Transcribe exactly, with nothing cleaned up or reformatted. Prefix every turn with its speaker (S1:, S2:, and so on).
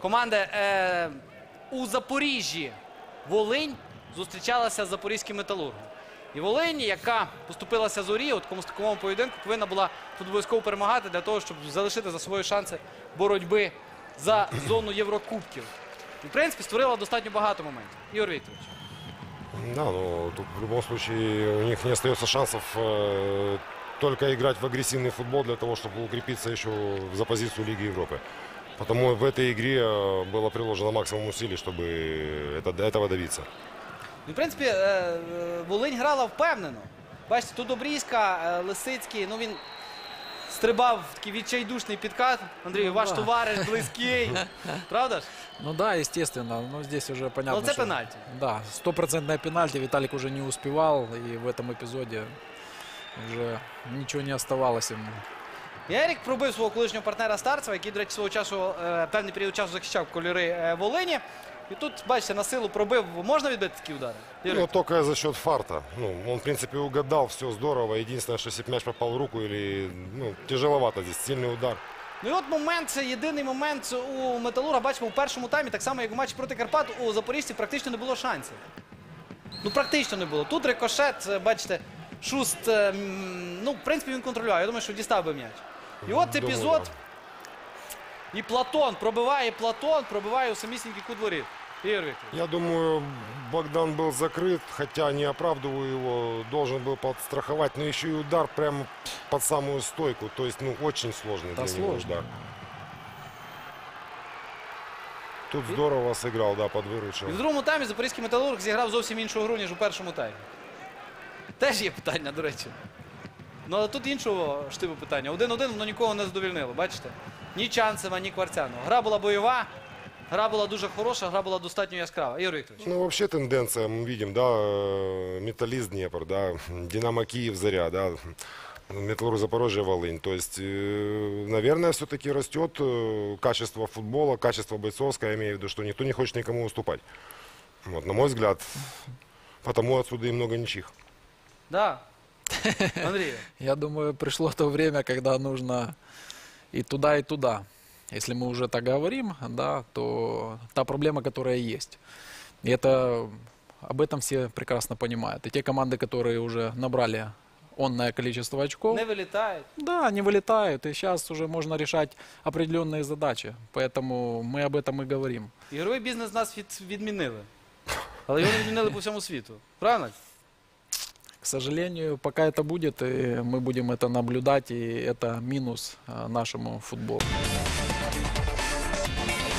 S1: команди е, у Запоріжжі Волинь зустрічалася з запорізьким Металургом. І Волинь, яка поступилася Зорі, от в такому поєдинку повинна була тут обов'язково перемагати для того, щоб залишити за собою шанси боротьби за зону Єврокубків. І, в принципі, створила достатньо багато моментів. Ігор Вікторович.
S2: Да, ну тут в любом случае у них не остается шансов э, только играть в агрессивный футбол для того, чтобы укрепиться еще за позицию Лиги Европы. Потому в этой игре было приложено максимум усилий, чтобы это, до этого добиться.
S1: Ну, в принципі, е, е, Волинь грала впевнено. Бачите, тут Добрізька, е, Лисицький, ну він стрибав в такий відчайдушний підкат. Андрій,
S3: Ну,
S1: ваш
S3: да.
S1: товариш близький. Правда ж?
S3: Ну да, естественно. Но здесь уже понятно,
S1: Но это
S3: что-
S1: пенальти.
S3: Да, стопроцентное пенальти. Виталик уже не успевал. И в этом эпизоде уже ничего не оставалось ему.
S1: Ярік пробив свого колишнього партнера Старцева, який, до речі, свого часу, е, певний період часу захищав кольори е, Волині. І тут, бачите, на силу пробив. Можна відбити такі удари? Ігор
S2: Ну,
S1: Вікторович?
S2: только за счет фарта. Ну, он, в принципе, угадал, все здорово. Единственное, что если б мяч попал в руку, или, ну, тяжеловато здесь, сильный удар.
S1: Ну і от момент, це єдиний момент у Металурга, бачимо, у першому таймі, так само, як у матчі проти Карпат, у запоріжців практично не було шансів. Ну, практично не було. Тут рикошет, е, бачите, Шуст, е, м, ну, в принципі, він контролює. Я думаю, що дістав би м'яч. І от
S2: Думаю,
S1: епізод.
S2: да.
S1: І Платон пробиває, Платон пробиває у самісінький кут воріт. Ігор Вікторович.
S2: Я думаю, Богдан был закрыт, хотя не оправдываю его, должен был подстраховать, но еще и удар прямо под самую стойку. То есть, ну, очень сложный
S3: Да,
S2: для него
S3: сложно.
S2: удар. Тут здорово сыграл, да, подвыручил.
S1: І в другому таймі запорізький Металург зіграв зовсім іншу гру, ніж у першому таймі. Теж є питання, до речі. Ну, але тут іншого штибу питання. Один-один, воно нікого не задовільнило, бачите? Ні Чанцева, ні Кварцяного. Гра була бойова, гра була дуже хороша, гра була достатньо яскрава. Ігор Вікторович.
S2: Ну, вообще тенденция, мы видим, да, э, Металлист Днепр, да, Динамо Киев, Заря, да, Металлург Запорожье, Волынь. То есть, э, наверное, все-таки растет э, качество футбола, качество бойцовское, я имею в виду, что никто не хочет никому уступать. Вот, на мой взгляд, потому отсюда и много ничьих.
S1: Да. Андрій.
S3: Я думаю, пришло то время, когда нужно и туда, и туда. Если мы уже так говорим, да, то та проблема, которая есть. И это, об этом все прекрасно понимают. И те команды, которые уже набрали онное количество очков,
S1: Не вилітають.
S3: да, они вылетают. И сейчас уже можно решать определенные задачи. Поэтому мы об этом и говорим.
S1: Ігровий бізнес нас від, відмінили. Але його не відмінили по всьому світу. Правильно?
S3: К сожалению, пока это будет, и мы будем это наблюдать, и это минус а, нашему футболу.